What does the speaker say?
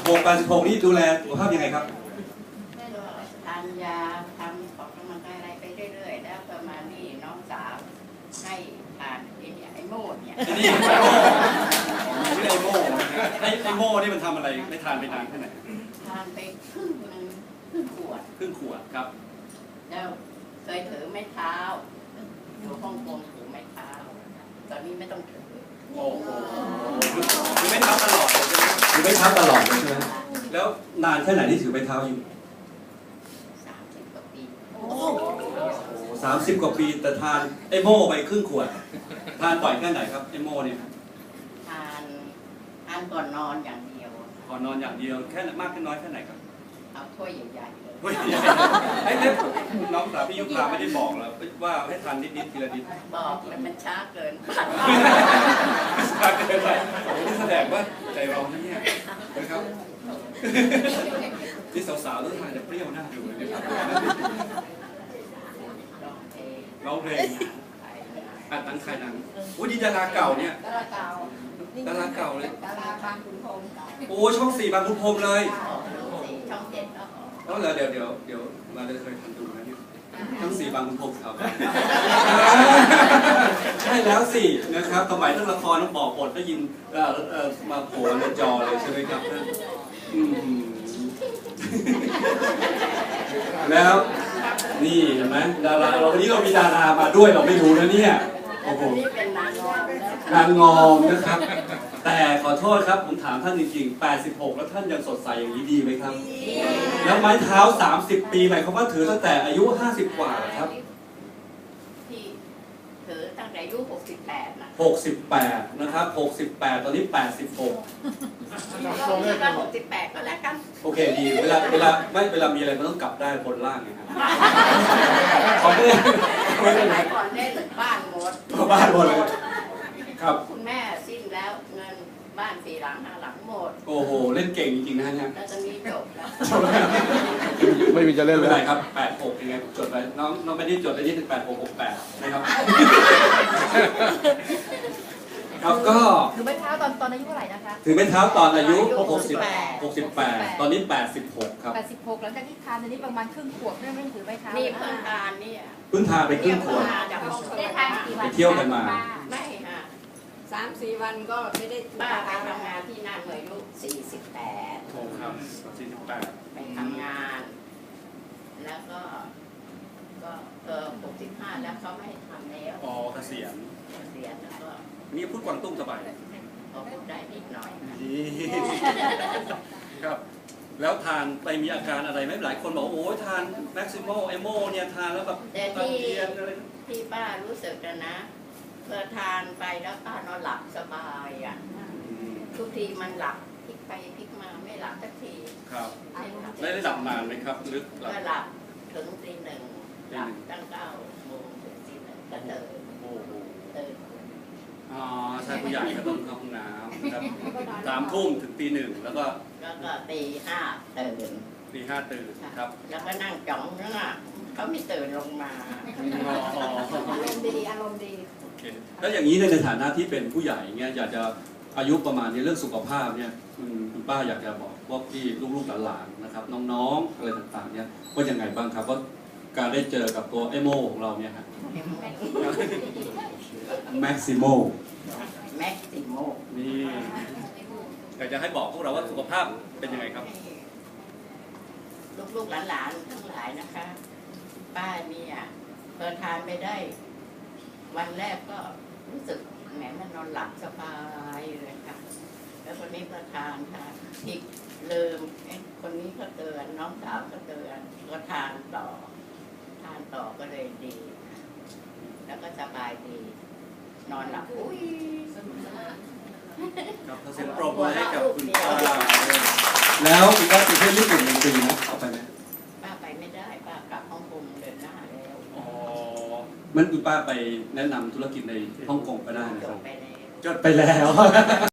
86นี่ดูแลสุขภาพยังไงครับทานยาทำออกกำลังกายอะไรไปเรื่อยๆแล้วประมาณนี้น้องสาวให้ทานไอ้โม่เนี่ยนี่ไม่ได้โม่ไอ้โม่นี่มันทำอะไรไม่ทานไปนานแค่ไหนทานไปครึ่งขวดครับแล้วเคยถือไม้เท้าอยู่ฮ่องกงถือไม้เท้าตอนนี้ไม่ต้องถือโอ้โหถือไม้เท้าตลอดเลยใช่ไหมถือไม้เท้าตลอดเลยใช่ไหมแล้วนานแค่ไหนที่ถือไม้เท้าอยู่ 30 กว่าปี 30 กว่าปีแต่ทานไอโม่ไปครึ่งขวดทานบ่อยแค่ไหนครับไอโม่เนี่ยทานก่อนนอนอย่างเดียวก่อนนอนอย่างเดียวแค่มากแค่น้อยแค่ไหนครับเอาถ้วยใหญ่ๆเลยไอ้เนี่ยน้องสาวพี่ยุพาไม่ได้บอกหรอว่าให้ทานนิดๆทีละนิดบอกแล้วมันช้าเกินช้าเกินไปโอ้ที่แสดงว่าใจเราเนี่ยนะครับที่สาวๆต้องทานจะเปรี้ยวน่าดูเลยร้องเพลงอัดหนังขายหนังโอ้ยดาราเก่าเนี่ยดาราเก่าเลยดาราบางขุนพรหมโอ้ช่อง4บางขุนพรหมเลยช่อง7 แล้วเดี๋ยวมาเลยเคยทำดูนะเนี่ยช่อง4บางขุนพรหมครับใช่แล้วสินะครับสมัยเรื่องละครต้องบอกบทได้ยินมาโผล่ในจอเลยใช่ไหมครับแล้วนี่เห็นไหมดาราวันนี้เรามีดารามาด้วยเราไม่รู้นะเนี่ยโอ้โหนางงอมนะครับแต่ขอโทษครับผมถามท่านจริงๆ86แล้วท่านยังสดใสอย่างนี้ดีไหมครับแล้วไม้เท้า30 ปีหมายความว่าถือตั้งแต่อายุ50 กว่าครับที่ถือตั้งแต่อายุ68นะ 68นะครับ68ตอนนี้86 ก็68ก็แล้วกันโอเคดีเวลามีอะไรมันต้องกลับได้บนล่างไงครับขอไม่ได้ก่อนได้บ้านหมดเลยครับคุณแม่สิ้นแล้วเงินบ้าน4 หลัง5 หลังหมดโอ้โหเล่นเก่งจริงๆนะเนี่ยแล้วจะมีจบแล้วไม่มีจะเล่นเลยครับ86ยังไงจดไปน้องไม่ได้จดได้ที่8668นะครับครับก็ถือไม้เท้าตอนอายุเท่าไหร่นะคะถือไม้เท้าตอนอายุ68ตอนนี้86ครับ 86หลังจากที่ทานอันนี้ประมาณครึ่งขวบไม่ถือไม้เท้านี่เพิ่งทานเนี่ยเพิ่งทานไปครึ่งขวบไปเที่ยวกันมาไม่ค่ะ3-4 วันก็ไม่ได้ป้าไปทำงานที่นั่นอายุ48 โอ้ครับ48 ไปทำงานแล้วก็65แล้วเขาไม่ให้ทำแล้วอ๋อเกษียณแล้วก็นี่พูดกวางตุ้งสบายพอพูดได้นิดหน่อยครับแล้วทานไปมีอาการอะไรไหมหลายคนบอกโอ้ยทานแม็กซิโมไอโมเนี่ยทานแล้วแบบที่ป้ารู้สึกนะเพื่อทานไปแล้วป้านอนหลับสบายอ่ะทุกทีมันหลับพลิกไปพลิกมาไม่หลับสักทีครับได้หลับนานไหมครับลึกก็หลับถึงตี 1หลับตั้ง9 โมงถึงตี 1ก็ตื่นอ๋อใช่ผู้ใหญ่ก็ต้องเข้าห้องน้ำครับ3 ทุ่มถึงตี 1แล้วก็ตี 5ตื่นตี 5ตื่นครับแล้วก็นั่งจ้องนั่นน่ะเขาไม่ตื่นลงมาอารมณ์ดีโอเคแล้วอย่างนี้ในฐานะที่เป็นผู้ใหญ่เงี้ยอยากจะอายุประมาณนี้เรื่องสุขภาพเนี่ยคุณป้าอยากจะบอกพวกที่ลูกๆหลานๆนะครับน้องๆอะไรต่างๆเนี่ยว่ายังไงบ้างครับว่าการได้เจอกับตัวไอโมของเราเนี่ยครับแม็กซิโมนี่อยากจะให้บอกพวกเราว่าสุขภาพเป็นยังไงครับลูกๆหลานๆทั้งหลายนะคะป้าเนี่ยเพิ่งทานไปได้วันแรกก็รู้สึกแหมมันนอนหลับสบายเลยค่ะแล้วคนนี้ประทานค่ะที่ลืมคนนี้ก็เตือนน้องสาวก็เตือนก็ทานต่อก็เลยดี แล้วก็สบายดีนอนหลับอุ้ยครับเสียงปรบมือให้กับคุณป้าแล้วคุณป้าไปเที่ยวญี่ปุ่น1 ปีนะเอาไปไหมป้าไปไม่ได้ป้ากลับฮ่องกงเดือนหน้าแล้วอ๋อมันคุณป้าไปแนะนำธุรกิจในฮ่องกงไปได้นะครับจดไปแล้ว